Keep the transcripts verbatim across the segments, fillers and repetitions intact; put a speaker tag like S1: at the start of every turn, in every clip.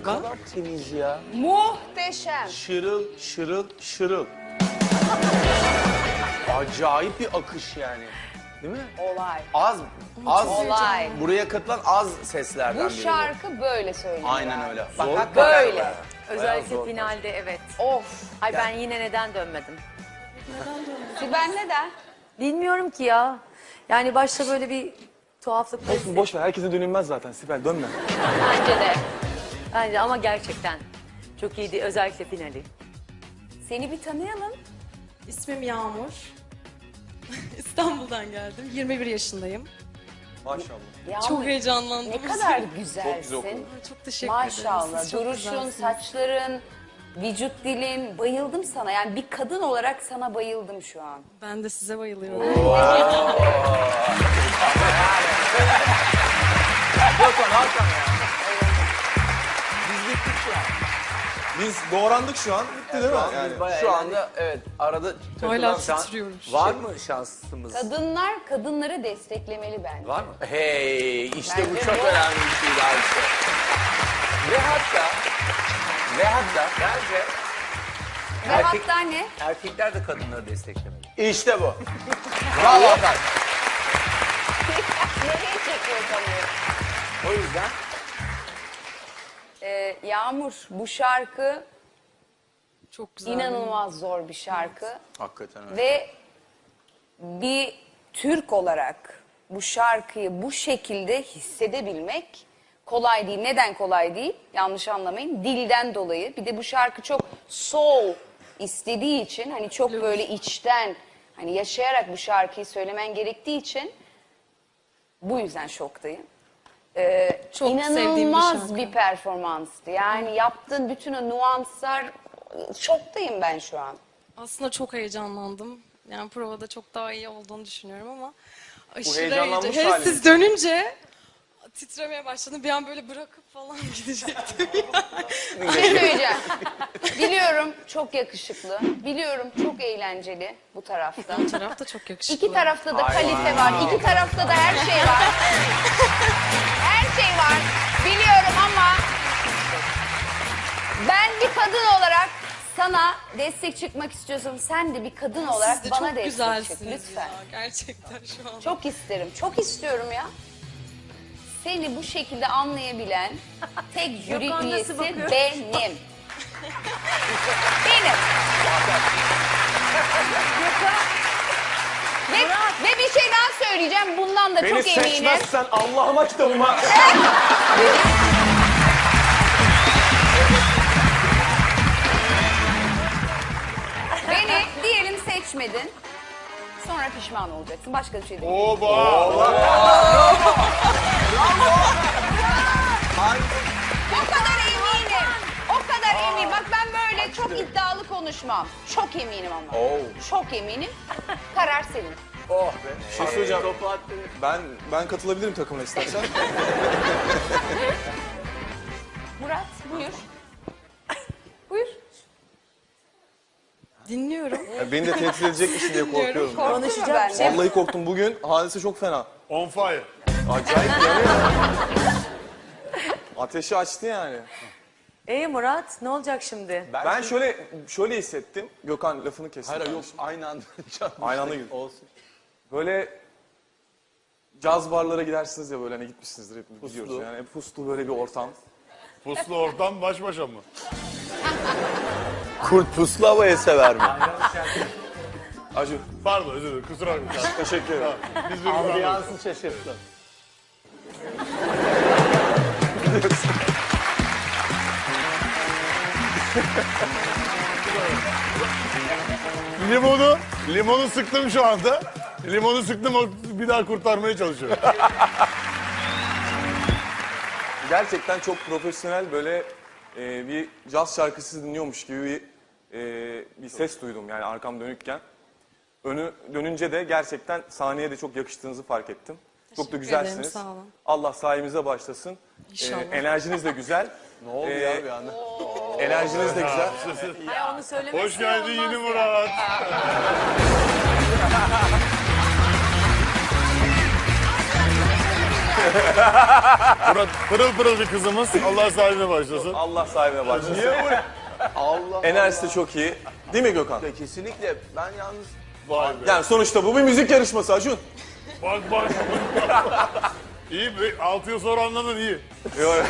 S1: galiba.
S2: Ne kadar temiz ya.
S3: Muhteşem.
S2: Şırıl, şırıl, şırıl. Acayip bir akış yani. Değil mi?
S3: Olay.
S2: Az, az.
S3: Olay.
S2: Buraya katılan az seslerden
S3: Bu
S2: biri.
S3: şarkı böyle söyleniyor.
S2: Aynen öyle.
S4: Bak,
S2: Zor
S4: hakikaten
S3: Böyle.
S2: bayağı
S4: Özellikle
S2: zor.
S4: finalde evet.
S3: Of.
S4: Ay ben yine neden dönmedim?
S3: Sibel neden?
S4: Bilmiyorum ki ya. Yani başta böyle bir tuhaflık.
S5: Olsun boş ver. Herkese dönülmez zaten. Sibel dönme.
S4: Bence de. Bence ama gerçekten çok iyiydi. Özellikle finali.
S3: Seni bir tanıyalım.
S1: İsmim Yağmur. İstanbul'dan geldim. yirmi bir yaşındayım.
S5: Maşallah.
S3: Yağmur,
S1: Çok heyecanlandım.
S3: ne kadar güzelsin.
S5: Çok güzel okudun.
S1: Çok teşekkür
S3: Maşallah.
S1: ederim. Siz çok
S3: Duruşun,
S1: güzelsiniz.
S3: saçların, vücut dilin. Bayıldım sana. Yani bir kadın olarak sana bayıldım şu an.
S1: Ben de size bayılıyorum.
S2: Hakan, Hakan ya. Biz bittik şu an.
S5: Biz doğrandık şu an. Bitti değil mi?
S2: Şu an
S5: Yani.
S2: biz bayağı Şu anda evet arada
S1: Hala
S2: takılan şans-
S1: titriyorum.
S2: Var mı şansımız?
S3: Kadınlar kadınları desteklemeli bence.
S2: Var mı? Hey işte bu
S3: Bence
S2: çok
S3: bu-
S2: önemli bir şey Ayşe. Ve hatta ve hatta bence
S3: Ve
S6: Erkek-
S3: hatta ne?
S6: Erkekler de kadınları desteklemeli.
S2: işte bu. Bravo Hakan.
S3: Nereye çekiyor kamerayı?
S2: O yüzden
S3: Ee, Yağmur, bu şarkı
S1: Çok güzel.
S3: inanılmaz zor bir şarkı.
S2: hakikaten öyle.
S3: Ve bir Türk olarak bu şarkıyı bu şekilde hissedebilmek kolay değil. Neden kolay değil? Yanlış anlamayın. Dilden dolayı. Bir de bu şarkı çok soul istediği için, hani çok böyle içten, hani yaşayarak bu şarkıyı söylemen gerektiği için bu yüzden şoktayım. Ee,
S1: Çok sevdiğim bir
S3: inanılmaz
S1: şarkı.
S3: bir performanstı. Yani yaptığın bütün o nüanslar, şoktayım ben şu an.
S1: Aslında çok heyecanlandım. Yani provada çok daha iyi olduğunu düşünüyorum ama aşırı
S5: heyecanlanmış
S1: heyecan. Hele
S5: haliniz.
S1: siz dönünce titremeye başladım. Bir an böyle bırakıp falan gidecektim.
S3: Bir şey söyleyeceğim. Biliyorum çok yakışıklı. Biliyorum çok eğlenceli bu tarafta.
S1: Bu taraf da çok yakışıklı.
S3: İki tarafta da kalite var. İki tarafta da her şey var. Her şey var. Biliyorum ama ben bir kadın olarak sana destek çıkmak istiyorsun. Sen de bir kadın olarak
S1: Siz de
S3: bana
S1: çok
S3: destek çık
S1: güzelsiniz
S3: lütfen.
S1: ya. Gerçekten şu an.
S3: Çok isterim. Çok istiyorum ya. Seni bu şekilde anlayabilen tek jüri
S4: Gökhan nasıl
S3: üyesi
S4: bakıyor?
S3: benim. Benim. Ve, ve bir şey daha söyleyeceğim. Bundan da
S5: Beni
S3: çok eminim.
S5: seçmezsen Allah'ıma kitabıma.
S3: Beni diyelim seçmedin. Sonra pişman olacaksın. Başka bir şey değil.
S5: Oba!
S3: O kadar eminim. O kadar eminim. Bak ben böyle çok iddialı konuşmam. Çok eminim ama.
S2: Oo.
S3: Çok eminim. Karar senin.
S2: Oh be.
S5: Bir şey söyleyeceğim. Ben ben katılabilirim takımına istersen.
S3: Murat buyur. Buyur.
S1: Dinliyorum.
S5: Ya beni de tehdit edecekmişsin diye korkuyorum.
S3: Korktun mu
S4: Konuşacağım
S3: benden?
S4: şey-
S5: Vallahi korktum. Bugün hadise çok fena.
S7: On fire.
S5: Acayip yanıyor. Ateşi açtı yani.
S4: Ee Murat ne olacak şimdi?
S5: Ben şöyle şöyle hissettim. Gökhan lafını kestim.
S2: Hayır yok
S5: kardeşim.
S2: aynı anda.
S5: Aynı anda girdim.
S2: Olsun.
S5: Böyle caz barlara gidersiniz ya böyle hani gitmişsinizdir hepimiz
S2: Puslu.
S5: biliyoruz yani. Puslu böyle bir ortam.
S7: Puslu ortam baş başa mı?
S2: Kurt puslu havayı sever mi?
S5: Acı.
S7: Pardon özür dilerim kusura bakmayın.
S5: Teşekkür ederim.
S7: Biz birbirimizi anladık.
S2: Ambiyansı şaşırttın.
S7: Limonu, limonu sıktım şu anda. Limonu sıktım o bir daha kurtarmaya çalışıyorum.
S5: Gerçekten çok profesyonel böyle e, bir caz şarkısı dinliyormuş gibi bir, e, bir ses duydum yani arkam dönükken. Önü dönünce de gerçekten sahneye de çok yakıştığınızı fark ettim. Çok da
S1: Teşekkür
S5: güzelsiniz.
S1: ederim, sağ olun.
S5: Allah sayemize başlasın.
S1: İnşallah.
S5: E, enerjiniz de güzel.
S2: Ne oldu
S5: Ee,
S2: ya bir anda?
S5: Enerjiniz de güzel.
S4: Ay onu söylemesi
S7: Hoş geldin
S4: olmaz
S7: yeni
S4: ya.
S7: Murat. Murat pırıl pırıl bir kızımız. Allah sahibine başlasın.
S5: Allah sahibine başlasın.
S2: Niye bu? Allah
S5: Enerjisi de çok iyi. Değil mi Gökhan?
S2: Allah. Kesinlikle ben yalnız
S7: Vay be.
S5: Yani sonuçta bu bir müzik yarışması Acun.
S7: Bak bak. İyi be. Altı yıl sonra anladın iyi.
S5: Yok.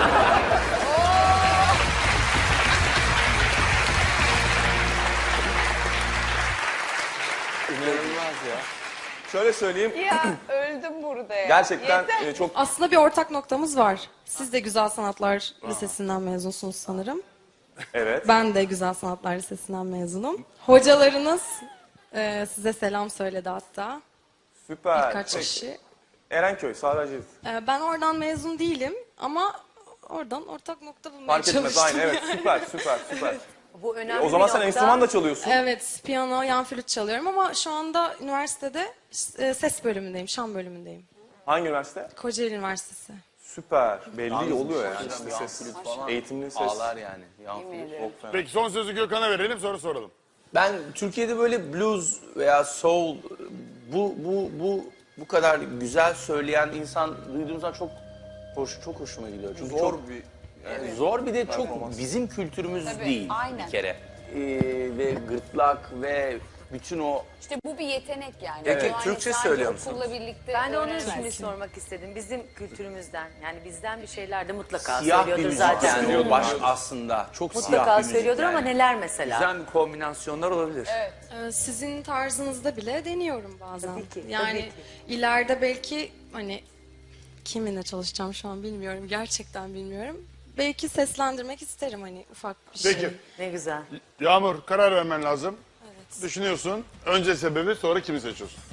S2: inanılmaz ya.
S5: Şöyle söyleyeyim.
S3: Ya öldüm burada ya.
S5: Gerçekten
S3: Yeter.
S5: e, çok
S1: Aslında bir ortak noktamız var. Siz de Güzel Sanatlar Lisesi'nden mezunsunuz sanırım.
S5: evet.
S1: Ben de Güzel Sanatlar Lisesi'nden mezunum. Hocalarınız e, size selam söyledi hatta.
S5: Süper.
S1: Birkaç
S5: Peki.
S1: kişi.
S5: Erenköy, Sağracı.
S1: E, ben oradan mezun değilim ama oradan ortak nokta bulmaya
S5: Fark etmez
S1: çalıştım.
S5: aynı evet süper süper süper.
S4: Bu önemli
S5: O zaman
S4: bir
S5: sen
S4: nokta.
S5: enstrüman da çalıyorsun.
S1: Evet, piyano, yan flüt çalıyorum ama şu anda üniversitede e, ses bölümündeyim, şan bölümündeyim.
S5: Hangi üniversite?
S1: Kocaeli Üniversitesi.
S5: Süper. Belli oluyor yani.
S2: Yalnız
S5: İşte
S2: yan
S5: ses,
S2: flüt falan
S5: eğitimli ses.
S2: ağlar yani. Yan flüt.
S5: Çok fena.
S7: Peki son sözü Gökhan'a verelim sonra soralım.
S2: Ben Türkiye'de böyle blues veya soul bu bu bu bu kadar güzel söyleyen insan duyduğum zaman çok hoş çok hoşuma gidiyor. Çünkü
S5: Zor
S2: çok
S5: bir
S2: yani zor bir de çok
S5: performans.
S2: bizim kültürümüz
S3: Tabii,
S2: değil
S3: aynen.
S2: bir kere. Ee, ve gırtlak ve bütün o
S3: İşte bu bir yetenek yani.
S2: Peki,
S3: Bu hani
S2: Türkçe
S3: sadece
S2: söylüyor musunuz?
S3: okulla birlikte
S4: Ben de onun
S3: öğrenemezsin.
S4: için sormak istedim. Bizim kültürümüzden yani bizden bir şeyler de mutlaka
S2: siyah bir
S4: söylüyordur
S2: müzik
S4: zaten.
S2: yani baş aslında çok siyah bir
S4: Mutlaka
S2: müzik
S4: söylüyordur
S2: yani.
S4: ama neler mesela?
S2: Güzel bir kombinasyonlar olabilir.
S1: Ee, Sizin tarzınızda bile deniyorum bazen.
S4: Tabii ki,
S1: Yani
S4: tabii ki.
S1: ileride belki hani kiminle çalışacağım şu an bilmiyorum. Gerçekten bilmiyorum. Belki seslendirmek isterim hani ufak bir şey.
S7: Peki.
S4: Ne güzel.
S7: Yağmur karar vermen lazım. Evet. Düşünüyorsun. Önce sebebi sonra kimi seçiyorsun?